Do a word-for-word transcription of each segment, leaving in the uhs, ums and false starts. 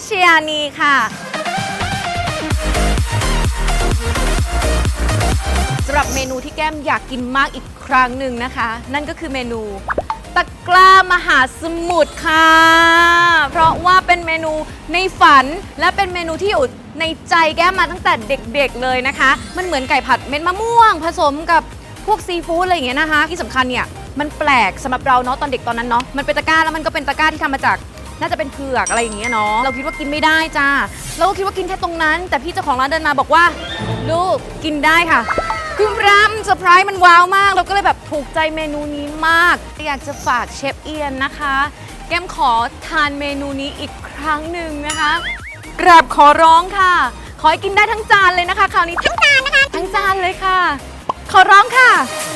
ชยานีค่ะสำหรับเมนูที่แก้มอยากกินมากอีกครั้งหนึ่งนะคะนั่นก็คือเมนูตะกร้ามหาสมุทรค่ะเพราะว่าเป็นเมนูในฝันและเป็นเมนูที่อยู่ในใจแก้มมาตั้งแต่เด็กๆเลยนะคะมันเหมือนไก่ผัดเม็ดมะม่วงผสมกับพวกซีฟู้ดอะไรอย่างเงี้ยนะคะที่สำคัญเนี่ยมันแปลกสำหรับเราเนาะตอนเด็กตอนนั้นเนาะมันเป็นตะกร้าแล้วมันก็เป็นตะกร้าที่ทำมาจากน่าจะเป็นเผือกอะไรอย่างเงี้ยเนาะเราคิดว่ากินไม่ได้จ้าเราก็คิดว่ากินแค่ตรงนั้นแต่พี่เจ้าของร้านเดินมาบอกว่าลูกกินได้ค่ะคือร้านเซอร์ไพรส์มันว้าวมากเราก็เลยแบบถูกใจเมนูนี้มากอยากจะฝากเชฟเอียนนะคะแก้มขอทานเมนูนี้อีกครั้งหนึ่งนะคะกราบขอร้องค่ะขอให้กินได้ทั้งจานเลยนะคะคราวนี้ทั้งจานนะคะทั้งจานเลยค่ะขอร้องค่ะ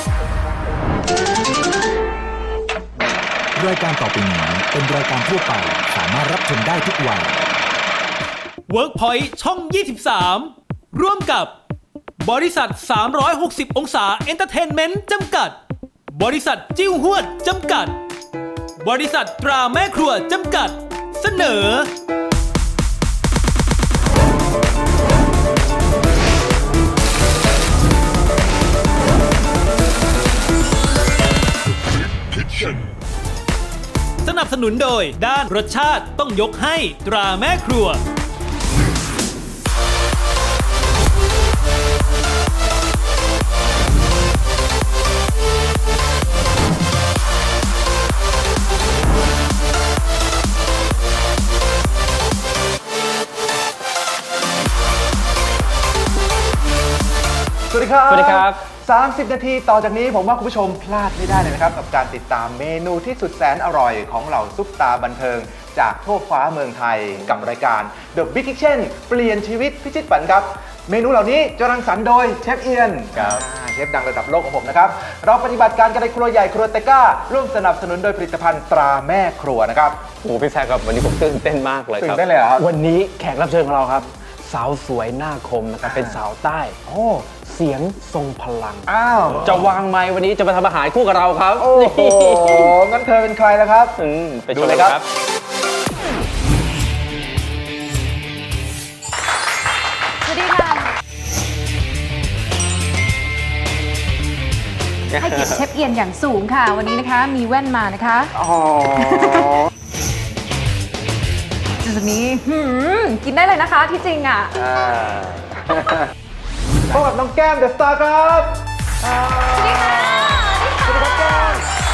รายการต่อไปนี้เป็นรายการทั่วไปสามารถรับชมได้ทุกวัย WorkPoint ช่อง ยี่สิบสาม ร่วมกับบริษัท สามร้อยหกสิบ องศาเอนเตอร์เทนเมนต์จำกัดบริษัทจิ้วหวดจำกัดบริษัทตราแม่ครัวจำกัดเสนอสนับสนุนโดยด้านรสชาติต้องยกให้ตราแม่ครัวสวัสดีครับสวัสดีครับสามสิบนาทีต่อจากนี้ผมว่าคุณผู้ชมพลาดไม่ได้เลยนะครับกับการติดตามเมนูที่สุดแสนอร่อยของเหล่าซุปตาบันเทิงจากทั่วฟ้าเมืองไทยกับรายการ The Big Kitchen เปลี่ยนชีวิตพิชิตฝันครับเมนูเหล่านี้จะรังสรรค์โดยเชฟเอียนครับเชฟดังระดับโลกของผมนะครับเราปฏิบัติการกันในครัวใหญ่ครัวเตก้าร่วมสนับสนุนโดยผลิตภัณฑ์ตราแม่ครัวนะครับโอ้พี่แซคครับวันนี้ผมตื่นเต้นมากเลยครับตื่นเต้นเลยเหรอครับวันนี้แขกรับเชิญของเราครับสาวสวยหน้าคมนะครับเป็นสาวใต้โอ้เสียงทรงพลังอ้าวจะวางไมค์วันนี้จะมาทำอาหารคู่กับเราครับโอ้โหงั้นเธอเป็นใครล่ะครับอืมไปชดูมเลเลย ยคครัรับ บสวัสดีค่ะให้เกียรติเชฟเอียนอย่างสูงค่ะวันนี้นะคะมีแว่นมานะคะอ๋อจุดนี้หืมกินได้เลยนะคะที่จริงอ่ะพบกับน้องแก้มเดอะสตาร์ครับสวัสดีค่ะสวัสดีครับแก้ม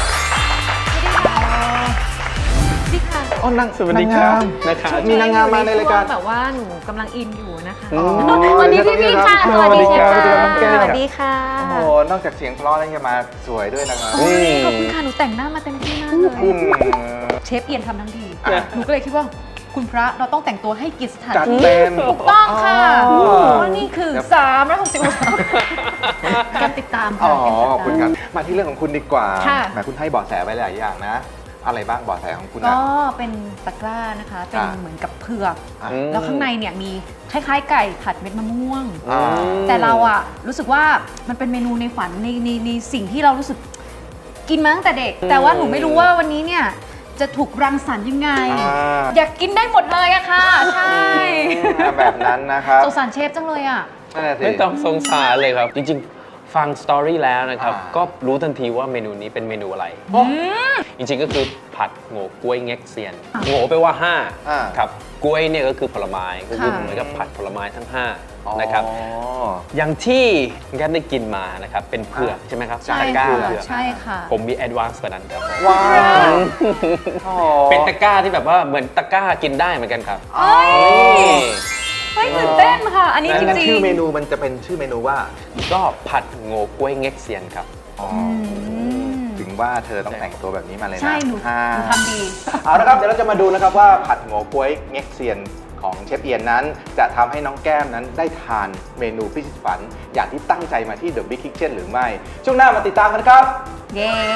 สวัสดีค่ะอ๋อนางสวัสดีครับนางงามนะครับมีนางงามมาในรายการแบบว่าหนูกำลังอินอยู่นะคะอ๋อสวัสดีพี่พี่ค่ะสวัสดีครับสวัสดีสวัสดีครับน้องแก้ค่ะมสวัสดีค่ะโอ้โหนอกจากเสียงเพราะแล้วยังมาสวยด้วยนะครับโอ้ยขอบคุณค่ะหนูแต่งหน้ามาเต็มที่มากเลยอืมเชฟเอียนทำทั้งทีอ่ะหนูก็เลยคิดว่าคุณพระเราต้องแต่งตัวให้เกียรติสถานจัดที่เต็มถูกต้องค่ะอ๋อเพราะนี่คือสามร้อยหกสิบองศาการติดตามอ๋ค่ะอขอบคุณครับ มาที่เรื่องของคุณดีกว่าค่ะแหมคุณให้เบาะแสไว้หลายอย่างนะ อะไรบ้างเบาะแสของคุณก็นะเป็นตะกร้านะคะ เป็นอ่าเหมือนกับเผือกอ่ะอืมแล้วข้างในเนี่ยมีคล้ายๆ ไก่ผัดเม็ดมะม่วงอ่าแต่เราอะรู้สึกว่ามันเป็นเมนูในฝันในในในสิ่งที่เรารู้สึกกินมาตั้งแต่เด็ก แต่ว่าหนูไม่รู้ว่าวันนี้เนี่ยจะถูกรังสรรค์ยังไงอ่าอยากกินได้หมดเลยอะค่ะ ใช่แบบนั้นนะครับสงสารเชฟจังเลยอะนั่นแหละสิไม่ต้องสงสารเลยครับ จริงๆ ฟังสตอรี่แล้วนะครับอ่าก็รู้ทันทีว่าเมนูนี้เป็นเมนูอะไร จริงๆ ก็คือผัดโง่กล้วยเง็กเซียน โง่แปลว่าห้าอ่าครับกล้วยเนี่ยก็คือผลไม้ก็คือค่ะเหมือนกับผัดผลไม้ทั้งห้านะครับอ๋ออย่างที่แกได้กินมานะครับ เป็นเผือกใช่ไหมครับใช่ตะกร้าค่ะเผือกใช่ค่ะผมมีแอดวานซ์กว่านั้นครับผมว้าวอ๋อเป็นตะกร้าที่แบบว่าเหมือนตะกร้ากินได้เหมือนกันครับเอ้ยเฮ้ยตื่นเต้นค่ะ อันนี้จงั้นริงชื่อๆเมนูมันจะเป็นชื่อเมนูว่าก็ผัดโง่กล้วยเง็กเซียนครับอ๋อมถึงว่าเธอต้องแต่งตัวแบบนี้มาเลยนะใช่หนูอ่าหนูทำดีเอาละครับ เดี๋ยวเราจะมาดูนะครับว่าผัดโง่ก๊วยเง็กเซียนของเชฟเอียนนั้น จะทำให้น้องแก้มนั้นได้ทานเมนูพิชิตฝัน อย่างที่ตั้งใจมาที่ The Big Kitchen หรือไม่ ช่วงหน้ามาติดตามกันครับเย้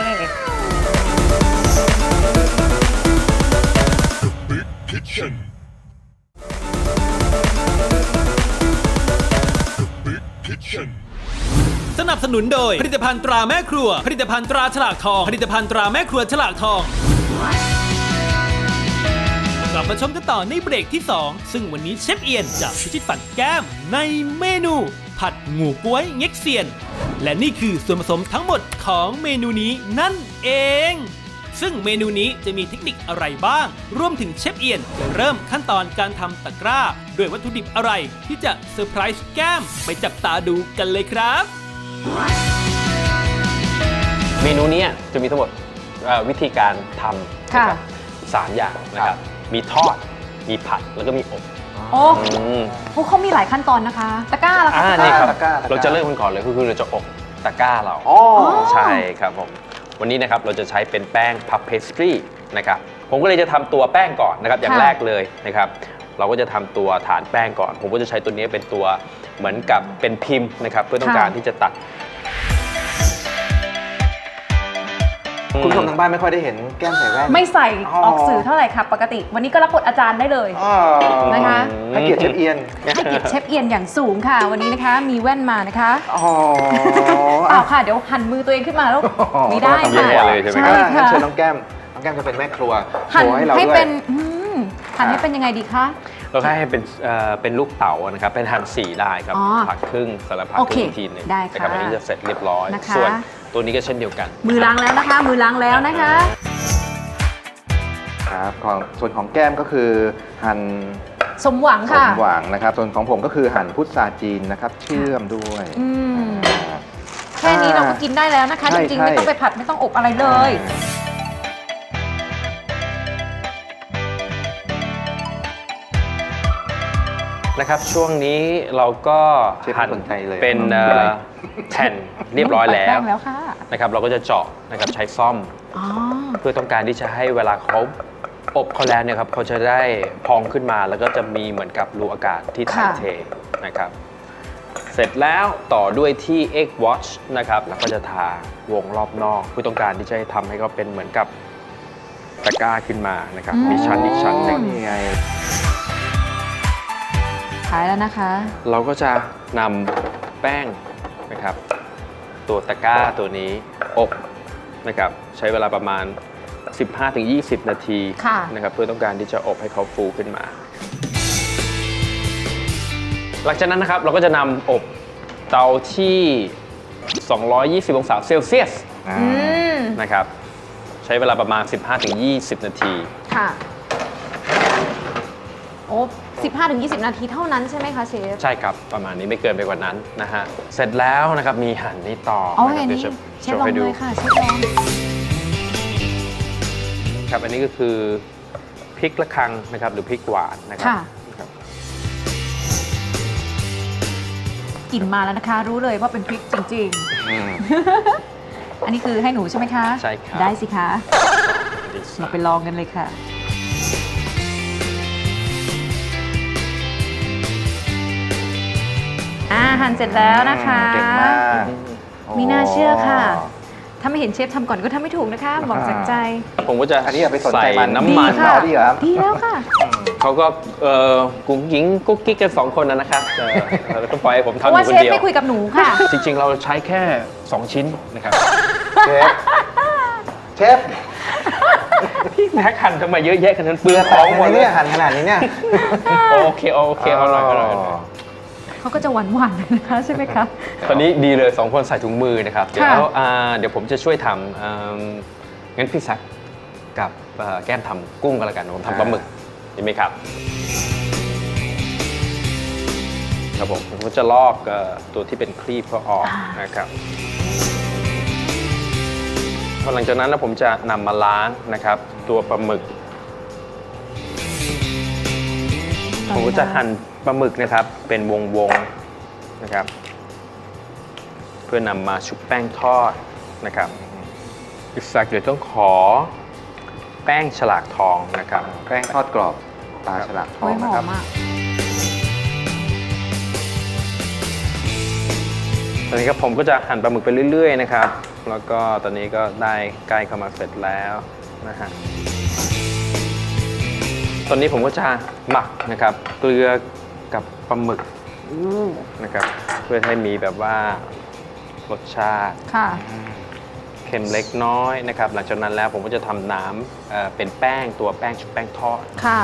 สนับสนุนโดยผลิตภัณฑ์ตราแม่ครัวผลิตภัณฑ์ตราฉลากทองผลิตภัณฑ์ตราแม่ครัวฉลากทองลับมาชมกันต่อในเบรกที่สองซึ่งวันนี้เชฟเอียนจะพิชิตฝันแก้มในเมนู ผัดงูก้วยเง็กเซียน และนี่คือส่วนผสมทั้งหมดของเมนูนี้นั่นเอง ซึ่งเมนูนี้จะมีเทคนิคอะไรบ้าง รวมถึงเชฟเอียนจะเริ่มขั้นตอนการทำตะกร้า ด้วยวัตถุดิบอะไรที่จะเซอร์ไพรส์แก้มไปจับตาดูกันเลยครับเมนูนี้จะมีทั้งหมดเอ่อวิธีการทำค่ะนะครับสามอย่างนะครับ มีทอด มีผัด แล้วก็มีอบโอ้อืมโหเขามีหลายขั้นตอนนะคะ ตะกร้าล่ะคะอ่าตะกนี่ร้าครับตะกร้าตะกร้าเราจะเริ่มกันก่อนเลยก็คือเราจะอบตะกร้าเราอ๋อใช่ครับผม วันนี้นะครับเราจะใช้เป็นแป้งพับเพสตรีนะครับ ผมก็เลยจะทำตัวแป้งก่อนนะครับ อย่างแรกเลยนะครับ เราก็จะทำตัวฐานแป้งก่อน ผมก็จะใช้ตัวนี้เป็นตัวเหมือนกับเป็นพิมพ์นะครับ เพื่อต้องการที่จะตัดคุณผู้ชมทางบ้านไม่ค่อยได้เห็นแก้มใส่แว่นไม่ใส่อ๋อออกสื่อเท่าไหร่ค่ะ ปกติ วันนี้ก็รับบทอาจารย์ได้เลยอ๋อนะคะให้เกียรติเชฟเอียนให้เกียรติเชฟเอียนอย่างสูงค่ะ วันนี้นะคะ มีแว่นมานะคะอ๋อเปล่าค่ะ เดี๋ยวหันมือตัวเองขึ้นมาแล้วอ๋อไม่ได้ต้องค่ะทำแย่เลยใช่ไหมใช่งั้นค่ะเชิญน้องแก้ม น้องแก้มจะเป็นแม่ครัวหั่นโชว์ให้เราให้ด้วยเป็นอืมหั่นให้เป็นยังไงดีคะเราให้เป็นเอ่อเป็นลูกเต๋านะครับ เป็นหั่นสี่ได้ครับอ๋อผักครึ่งสลับผักโอคเครึ่งอีกทีหนึงได้ค่ะนะครับอันนี้จะเสร็จเรียบร้อยนะคะส่วนตัวนี้ก็เช่นเดียวกันมือล้างแล้วนะคะ มือล้างแล้วนะคะครับของส่วนของแก้มก็คือหั่นสมหวังสค่ะมหวังนะครับ ส่วนของผมก็คือหั่นพุทราจีนนะครับ เชื่อมด้วยอืมอ่าแค่นี้เราก็กินได้แล้วนะคะใช่จริงๆใช่ไม่ต้องไปผัดไม่ต้องอบอะไรเลยนะครับช่วงนี้เราก็เชฟไม่หั่นสนใจเลยเป็นเอ่อแผ่นเรียบร้อยแล้แป้วงแล้วค่ะนะครับเราก็จะเจาะนะครับใช้ซ่อมอ๋อเพื่อต้องการที่จะให้เวลาเขาอบเขาแล้วเนี่ยครับเขาจะได้พองขึ้นมาแล้วก็จะมีเหมือนกับรูอากาศที่ถ่ายเทนะครับเสร็จแล้วต่อด้วยที่ egg wash นะครับแล้วก็จะทาวงรอบนอกเพื่อต้องการที่จะให้ทำให้เขาเป็นเหมือนกับตะกร้าขึ้นมานะครับมีชั้นอีกชั้นหนึ่งนี่ไงขายแล้วนะคะเราก็จะนำแป้งนะครับตัวตะกร้าตัวนี้อบนะครับใช้เวลาประมาณ สิบห้าถึงยี่สิบ นาทีค่ะนะครับเพื่อต้องการที่จะอบให้เขาฟูขึ้นมา หลังจากนั้นนะครับเราก็จะนำอบเตาที่ สองร้อยยี่สิบ องศาเซลเซียสอ่าอืมนะครับใช้เวลาประมาณ สิบห้าถึงยี่สิบ นาทีค่ะ โอ้สิบห้าถึงยี่สิบ นาทีเท่านั้นใช่ไหมคะเชฟใช่ครับประมาณนี้ไม่เกินไปกว่านั้นนะฮะเสร็จแล้วนะครับมีหั่นนี้ต่อเอานะคอรัย่างเดี๋นี้ยวจะเชโชฟว์ลองให้ดูเลยค่ะเชฟลองครับอันนี้ก็คือพริกละคังนะครับหรือพริกหวานนะครัค่ะครับกลิ่นมาแล้วนะคะ รู้เลยว่าเป็นพริกจริงอืมๆ อันนี้คือให้หนูใช่ไหมคะใช่ครับได้สิคะดีเราไปลองกันเลยค่ะ อ่าหั่นเสร็จแล้วนะคะเก่งมากมีน่าเชื่อค่ะ ถ้าไม่เห็นเชฟทำก่อนก็ทำไม่ถูกนะคะ บอกจากใจผมก็จะอันนี้อย่าไปสนใจใส่มันน้ำมันดีค่ะเอาดีเหรอครับดีแล้วค่ะเขาก็เอ่อกุ้งหญิงกุ๊กกิ๊กกันสองคนนะนะครับเออแล้วก็ปล่อยให้ผมเพทำอราะว่ายู่คเชนฟเดียวไม่คุยกับหนูค่ะจริงๆ เราใช้แค่ สอง ชิ้นนะครับเชฟ เชฟพี่แม็กหั่นทำไมเยอะแยะขนาดนั้นเปลือกขท้ออง งหมดเลเนี่ย ยหั่นขนาดนี้เนี่ยโอเคโอเคเอาหน่อยเอาหน่อยเอาหน่อยเขาก็จะหวานหวานๆนะคะใช่ไหมคะตอนนี้ดีเลยสองคนใส่ถุงมือนะครับ เดี๋ยวค่ะอ่าเดี๋ยวผมจะช่วยทำอ่างั้นพี่แซคกับเอ่อแก้มทำกุ้งกันละกันผมทำปลาหมึกดีไหมครับ ครับผมผมก็จะลอกเอ่อตัวที่เป็นครีบเขาออกนะครับพอหลังจากนั้นนะผมจะนำมาล้างนะครับ ตัวปลาหมึก ผมก็จะหั่นปลาหมึกนะครับ เป็นวงๆนะครับ เพื่อนำมาชุบแป้งทอดนะครับอีกสักเดี๋ยวต้องขอแป้งฉลากทองนะครับแป้งทอดกรอบตาฉลากทอโอ้งยหนะอครับมอ่ะตอนนี้ครับผมก็จะหั่นปลาหมึกไปเรื่อยๆนะครับ แล้วก็ตอนนี้ก็ได้ใกล้เข้ามาเสร็จแล้วนะฮะ ตอนนี้ผมก็จะหมักนะครับ เกลือกับปลาหมึกนะครับ เพื่อให้มีแบบว่ารสชาติค่ะเค็มเล็กน้อยนะครับหลังจากนั้นแล้วผมก็จะทำน้ำเอ่อเป็นแป้งตัวแป้งชุบแป้งทอดค่ะ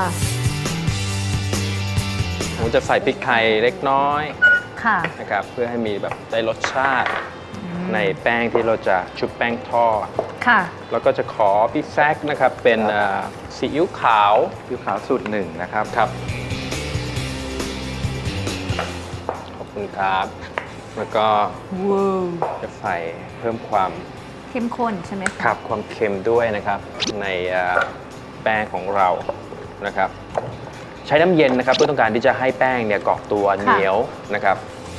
ผมจะใส่พริกไทยเล็กน้อยค่ะนะครับเพื่อให้มีแบบได้รสชาติในแป้งที่เราจะชุบแป้งทอดค่ะแล้วก็จะขอพี่แซกนะครับเป็นเอ่อซีอิ๊วขาวผิวขาวสูตรหนึ่งนะครับครับขอบคุณครับแล้วก็ว้าวจะใส่เพิ่มความเข้มข้นใช่ไหมคะขับความเค็มด้วยนะครับในเอ่อแป้งของเรานะครับใช้น้ำเย็นนะครับเพื่อต้องการที่จะให้แป้งเนี่ยเกาะตัวเหนียวนะครับ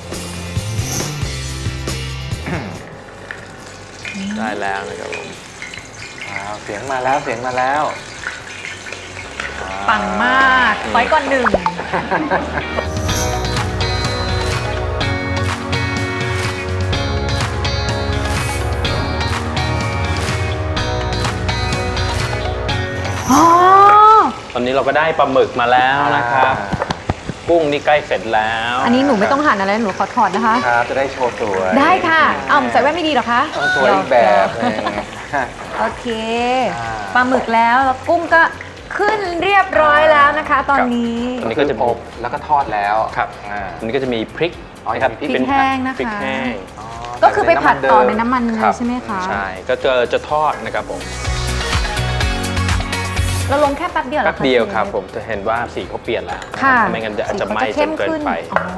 ได้แล้วนะครับผมว้าวเสียงมาแล้วเสียงมาแล้วปังมากร้อยก่อนหนึ่ง อ๋อตอนนี้เราก็ได้ปลาหมึกมาแล้วนะครับ กุ้งนี่ใกล้เสร็จแล้วอันนี้หนูไม่ต้องหั่นอะไรหนูขอถอดนะคะครับจะได้โชว์สวยได้ค่ะเอาใส่แว่นไม่ดีเหรอคะต้องสวยอีกแบบหนึงโอเคอ่าปลาหมึกแล้วแล้วกุ้งก็ขึ้นเรียบร้อยแล้วนะคะ ตอนนี้อันนี้ก็จะอบแล้วก็ทอดแล้วครับอ่าอันนี้ก็จะมีพริกอ๋อนะครับมีพริกที่เป็นพริกแห้งนะคะพริกแห้งอ๋อก็คือไปผัดต่อในน้ำมันคเลรัยบใช่ไหมคะใช่ก็จะจะทอดนะครับผมเราลงแค่แป๊บเดียวหรอแป๊บคะเดียวครับชฟผมจะเห็นว่าสีเขาเปลี่ยนแล้วค่ะไม่งั้นจะอาจจะไหม้สีจเขานเกินไปอ๋อ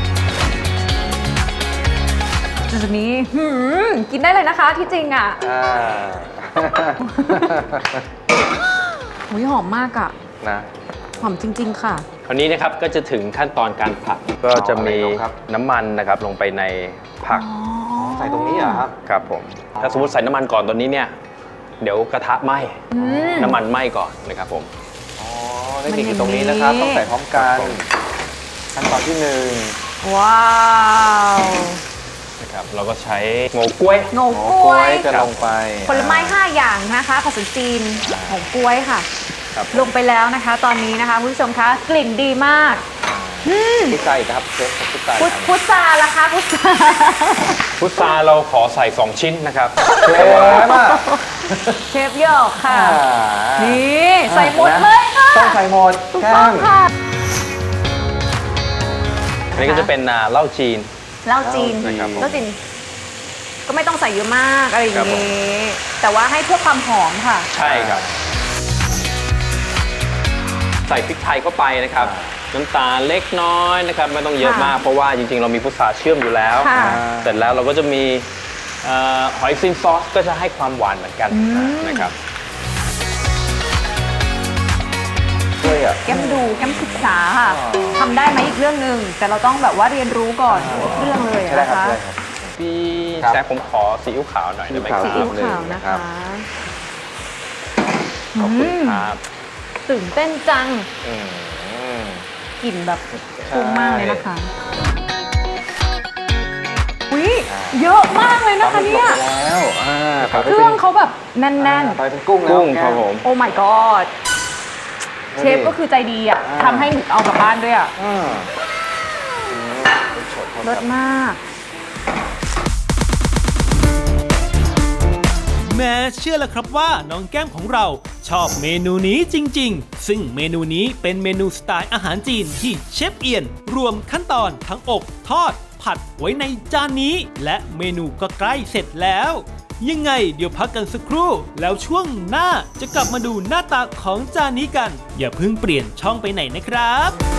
จุดนี้หืมกินได้เลยนะคะที่จริงอ่ะอ่าหุยหอมมากอ่ะนะหอมจริง ๆ ค่ะคราวนี้นะครับก็จะถึงขั้นตอนการผัดก็จะมีอ๋ออะไรลงครับน้ำมันนะครับลงไปในผักใส่ตรงนี้เหรอครับครับผมถ้าสมมติใส่น้ำมันก่อนตอนนี้เนี่ยเดี๋ยวกระทะไหม้อืมน้ำมันไหม้ก่อนนะครับผมอ๋อเทคนิคอยู่ตรงนี้นะครับ ต้องใส่พร้อมกันครับผมขั้นตอนที่หนึ่งว้าวนะครับเราก็ใช้โงกล้วยโงโอ้กกล้ล้ว วยยจะลงไปผลไม้ ห้า อย่างนะคะภาษาจีนโงกล้วยค่ะครับลงไปแล้วนะคะ ตอนนี้นะคะคุณผู้ชมคะกลิ่นดีมากพุทราอีกนะครับเชฟพุทราพุทพุทราล่ะคะพุทราพุทราเราขอใส่สองชิ้นนะครับเชฟอะเชฟหยอกค่ะอ่านี่ใส่หมดเลยค่ะต้องใส่หมดถูกแก้ต้องมค่ะอันนี้ก็จะเป็นอ่าเหล้าจีนเหล้าจีนนะครับผมเหล้าจีนก็ไม่ต้องใส่เยอะมากอะไรอย่าครับงผมนี้ แต่ว่าให้เพื่อความหอมค่ะใช่ครับ ใส่พริกไทยเข้าไปนะครับน้ำตาลเล็กน้อยนะครับไม่ต้องเยอะค่ะมากเพราะว่าจริงๆ เรามีพุทราเชื่อมอยู่แล้วค่ะเสร็จแล้วเราก็จะมีเอ่อหอยซินซอสก็จะให้ความหวานเหมือนกันนะครับช่วยอ่ะแก้มดูแก้มศึกษาค่ะทำได้ไหมอีกเรื่องหนึ่งแต่เราต้องแบบว่าเรียนรู้ก่อนทุกเรื่องเลยใช่ได้นะครับ คะใช่ครับพี่ครับแซคผมขอซีอิ๊วขาวหน่อยได้ไหมครับซีอิ๊วขาวนะครัคะบขอบคุณครับตื่นเต้นจังอืมกลิ่นแบบฟุ้งมากเลยนะคะอุ้ยเยอะมากเลยนะคะเนี่ยลงไปแล้วอ่าต่อไปเครื่องเขาแบบแน่นอ่าต่อไปเป็นกุ้งแล้วกุ้งครับผมๆ โอ้ my god เชฟก็คือใจดีอ่ะอ่าทำให้หนูเอากลับบ้านด้วยอ่ะอ่าเลิศมากแม้เชื่อแล้วครับว่าน้องแก้มของเราชอบเมนูนี้จริงๆ ซึ่งเมนูนี้เป็นเมนูสไตล์อาหารจีนที่เชฟเอียน รวมขั้นตอนทั้งอบทอด ผัดไว้ในจานนี้ และเมนูก็ใกล้เสร็จแล้ว ยังไงเดี๋ยวพักกันสักครู่ แล้วช่วงหน้าจะกลับมาดูหน้าตาของจานนี้กัน อย่าเพิ่งเปลี่ยนช่องไปไหนนะครับ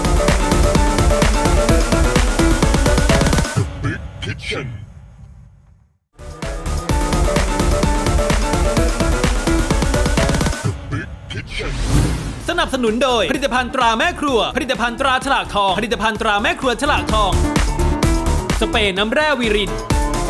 สนับสนุนโดยผลิตภัณฑ์ตราแม่ครัว ผลิตภัณฑ์ตราฉลากทอง ผลิตภัณฑ์ตราแม่ครัวฉลากทอง สเปรย์น้ำแร่วีริน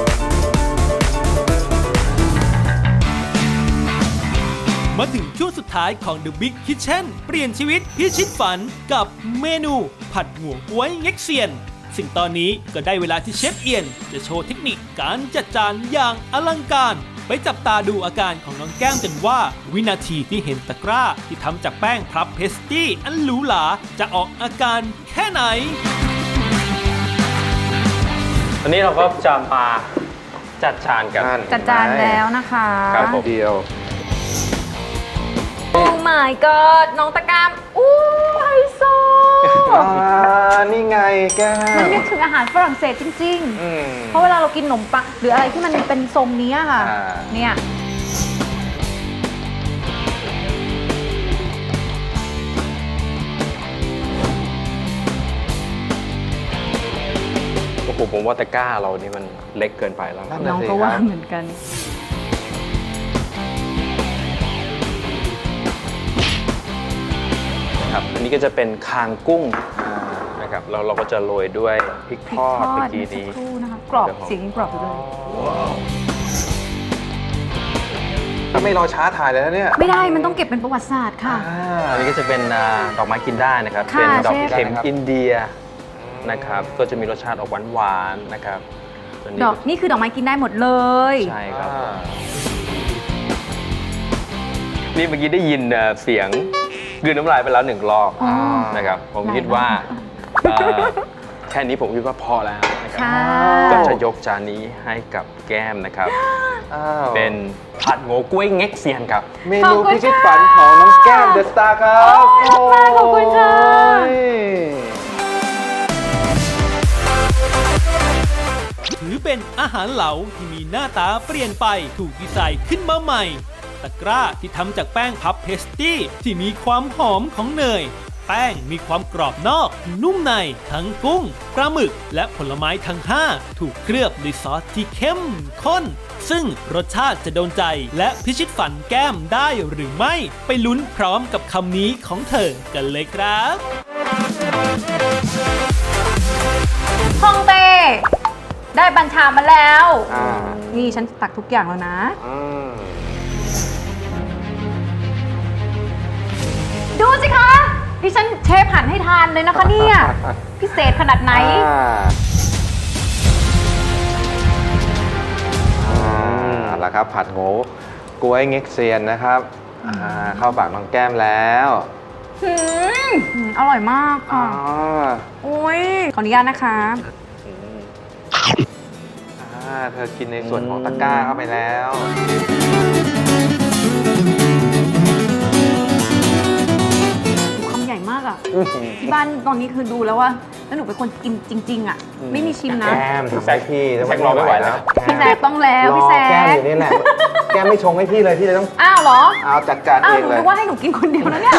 มาถึงช่วงสุดท้ายของ The Big Kitchen เปลี่ยนชีวิตพิชิตฝันกับเมนูผัดหงวงก้วยเง็กเซียน ซึ่งตอนนี้ก็ได้เวลาที่เชฟเอียนจะโชว์เทคนิคการจัดจานอย่างอลังการ ไปจับตาดูอาการของน้องแก้มกันว่า วินาทีที่เห็นตะกร้าที่ทำจากแป้งพับเพสตี้อันหรูหราจะออกอาการแค่ไหนตอนนี้เราก็จะมาจัดจานกับนั่นจัดจานแล้วนะคะครับผมเดียวโอ้ my god น้องตะกร้ามอู้ไฮโซอ่านี่ไงแก้มันมนึกถึงอาหารฝรั่งเศสจริงอืมๆ เพราะเวลาเรากินขนมปังหรืออะไรที่มันเป็นทรงนี้ค่ะอ่าเนี่ยโอ้โหผมว่าตะกร้าเรานี่มันเล็กเกินไปแล้วนั่นน้น่ะองสิก็คว่ารับเหมือนกันครับอันนี้ก็จะเป็นคางกุ้งนะครับแล้วเราก็จะโรยด้วยพริกพริทกอดทอเมื่ดอกี้เมื่อสักนี้ครู่นะคะ กรอบครับผมเสียงยังกรอบอยู่เลยก็ไม่รอช้าถ่ายเลยนะเนี่ยไม่ได้มันต้องเก็บเป็นประวัติศาสตร์ค่ะอ่าอันนี้ก็จะเป็นอ่าดอกไม้กินได้นะครับค่ะเป็นดอกเชฟเข็มครับอินเดียนะครับ ก็จะมีรสชาติออกหวานๆนะครับส่วนนี้ดอกนี่คือดอกไม้กินได้หมดเลยใช่ครับอ่านี่เมื่อกี้ได้ยินเอ่อเสียงกลืนน้ำลายไปแล้วหนึ่งรอบอ๋อนะครับ ผมหลายคิดว่ารอบเอ่อแค่นี้ผมคิดว่าพอแล้วนะครับค่ะก็จะยกจานนี้ให้กับแก้มนะครับอ้าวเป็นผัดโง่กล้วยเง็กเซียนครับเมนูพิชิตฝันของน้องแก้มเดอะสตาร์ครับโอ้ยขอบคุณค่ะโอ้ยถือเป็นอาหารเหลาที่มีหน้าตาเปลี่ยนไปถูกดีไซน์ขึ้นมาใหม่ ตะกร้าที่ทำจากแป้งพับเพสตี้ที่มีความหอมของเนย แป้งมีความกรอบนอก นุ่มใน ทั้งกุ้งปลาหมึก และผลไม้ทั้งห้าถูกเคลือบด้วยซอสที่เข้มข้น ซึ่งรสชาติจะโดนใจและพิชิตฝันแก้มได้หรือไม่ ไปลุ้นพร้อมกับคำนี้ของเธอกันเลยครับฮ่องเต้ได้บัญชามาแล้วอ่านี่ฉันตักทุกอย่างแล้วนะอืมดูสิคะ ดิฉันเชฟหั่นให้ทานเลยนะคะเนี่ย พิเศษขนาดไหนอ่าอ่าเอาละครับ ผัดโง่กล้วยเง็กเซียนนะครับอ่าเข้าปากน้องแก้มแล้วหืมอร่อยมากอ๋อค่ะ โอ้ย ขออนุญาตนะคะอ่าเธอกินในส่วนของตะกร้าเข้าไปแล้วคำใหญ่มากอ่ะ ที่บ้านตอนนี้คือดูแล้วว่า แล้วหนูเป็นคนกินจริง ๆ อ่ะ ไม่มีชิมนะแก้มทำให้พี่แซกรอไม่ไหวแล้วพี่แซกต้องแล้วพี่แซรอแก้มกอยู่นี่แหละ แก้มไม่ชงให้พี่เลยพี่เลยต้องอ้าวเหรอเอาจัดการอ้าวเอหงนูเลยนึกว่าให้หนูกินคนเดียวนะเนี่ย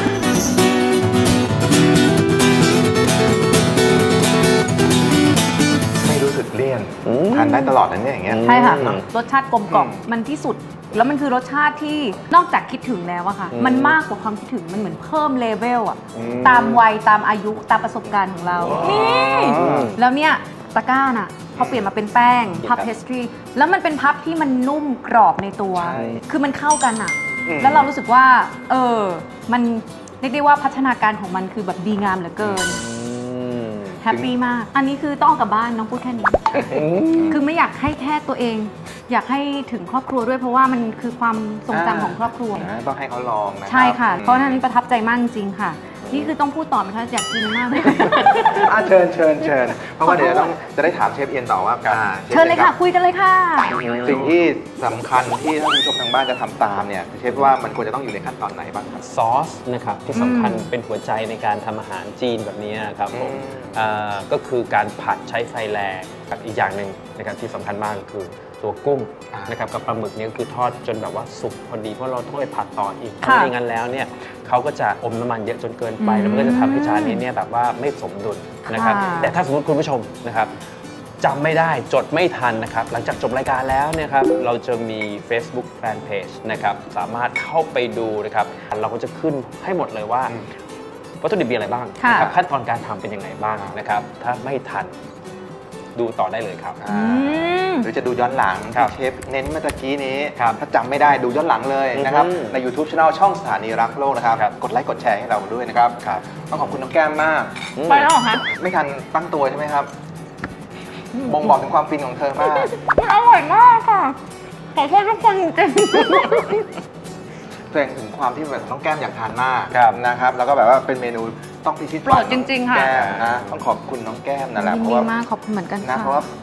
ไม่รู้สึกเลี่ยนอืมทานได้ตลอดนะเนี่ยอย่างเงี้ยใช่ค่ะอืมรสชาติกลมกล่อมอืมมันที่สุด แล้วมันคือรสชาติที่นอกจากคิดถึงแล้วอะค่ะอืมมันมากกว่าความคิดถึง มันเหมือนเพิ่มเลเวลอะอืมตามวัยตามอายุตามประสบการณ์ของเรา นี่อืมแล้วเนี่ยตะกร้าน่ะ พอเปลี่ยนมาเป็นแป้ง พับเพสตรี แล้วมันเป็นพับที่มันนุ่มกรอบในตัวใช่คือมันเข้ากันอะอืมแล้วเรารู้สึกว่า เออ มันเรียกได้ว่าพัฒนาการของมันคือแบบดีงามเหลือเกิน แฮปปี้มาก อันนี้คือต้องเอากลับบ้านน้องพูดแค่นี้ คือไม่อยากให้แค่ตัวเอง อยากให้ถึงครอบครัวด้วยเพราะว่ามันคือความทรงจำของครอบครัวนะต้องให้เขาลองนะครับใช่ค่ะอืมเพราะฉะนั้นประทับใจมากจริงๆค่ะ นี่คือต้องพูดต่อไหมคะอยากกินมากเลยอ่ะเชิญเชิญเชิญเพราะว่าเดี๋ยวต้องจะได้ถามเชฟเอียนต่อว่าอ่าชฟเชิญเลยค่ะ คุยกันเลยค่ะสิ่งที่สำคัญที่ท่านผู้ชมทางบ้านจะทำตามเนี่ยเชฟว่ามันควรจะต้องอยู่ในขั้นตอนไหนบ้างครับซอสนะครับที่สำคัญอืมเป็นหัวใจในการทำอาหารจีนแบบนี้ครับผมอืมอ่าก็คือการผัดใช้ไฟแรงกับอีกอย่างหนึ่งนะครับที่สำคัญมากก็คือตัวกุ้งอ่านนะครับกับปลาหมึกเนี่ยก็คือทอดจนแบบว่าสุกพอดีเพราะเราต้องไปผัดต่ออีกค่ะไม่งั้นแล้วเนี่ยเขาก็จะอมน้ำมันเยอะจนเกินไปอืมแล้วมันก็จะทำให้จานนี้เนี่ยแบบว่าไม่สมดุลนะครับค่ะแต่ถ้าสมมติคุณผู้ชมนะครับจำไม่ได้จดไม่ทันนะครับหลังจากจบรายการแล้วเนี่ยครับเราจะมี Facebook Fanpage นะครับสามารถเข้าไปดูนะครับเราก็จะขึ้นให้หมดเลยว่าอืมวัตถุดิบมีอะไรบ้างค่ะนะครับขั้นตอนการทำเป็นยังไงบ้างนะครับ ถ้าไม่ทันดูต่อได้เลยครับอ่าอืมหรือจะดูย้อนหลังครับที่เชฟเน้นเมื่อตะกี้นี้ครับถ้าจำไม่ได้ดูย้อนหลังเลยนะครับอืมใน YouTube Channel ช่องสถานีรักโลกนะครับครับกดไลค์กดแชร์ให้เราด้วยนะครับครับต้องขอบคุณน้องแก้มมากไปแล้วเหรอคะไม่ทันตั้งตัวใช่ไหมครับบ่งบอกถึงความฟินของเธอมากมันอร่อยมากค่ะ ขอโทษทุกคนจริงแสดงถึงความที่แบบน้องแก้มอยากทานมากครับนะครับ แล้วก็แบบว่าเป็นเมนูต้องพิชิตโปรดจริงๆค่ะแก้มนะต้องขอบคุณน้องแก้มนั่นแหละยินเพราะดีว่ามากขอบคุณเหมือนกันนะค่ะเพราะว่า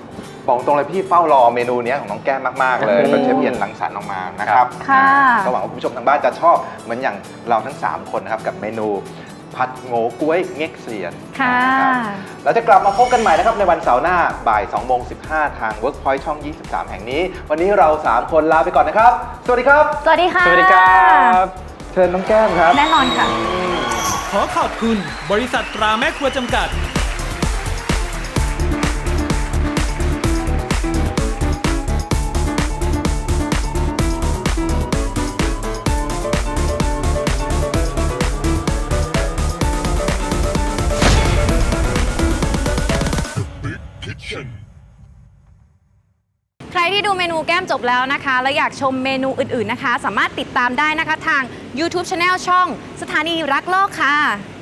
บอกตรงเลยพี่เฝ้ารอเมนูเนี้ยของน้องแก้มมากๆเลยอืมจนเชฟเอียนรังสรรค์ออกมานะครับค่ะอ่าก็หวังว่าคุณผู้ชมทางบ้านจะชอบเหมือนอย่างเราทั้งสามคนนะครับกับเมนูผัดโง่ก้วยเง็กเซียนค่ะนะครับเราจะกลับมาพบกันใหม่นะครับในวันเสาร์หน้าบ่ายสองโมงสิบห้าทาง Workpoint ช่อง ยี่สิบสาม แห่งนี้ วันนี้เราสามคนลาไปก่อนนะครับ สวัสดีครับสวัสดีค่ะสวัสดีครับเชิญน้องแก้มครับแน่นอนค่ะขอขอบคุณบริษัทตราแม่ครัวจำกัดใครที่ดูเมนูแก้มจบแล้วนะคะ และอยากชมเมนูอื่นๆนะคะ สามารถติดตามได้นะคะทาง YouTube Channel ช่องสถานีรักโลกค่ะ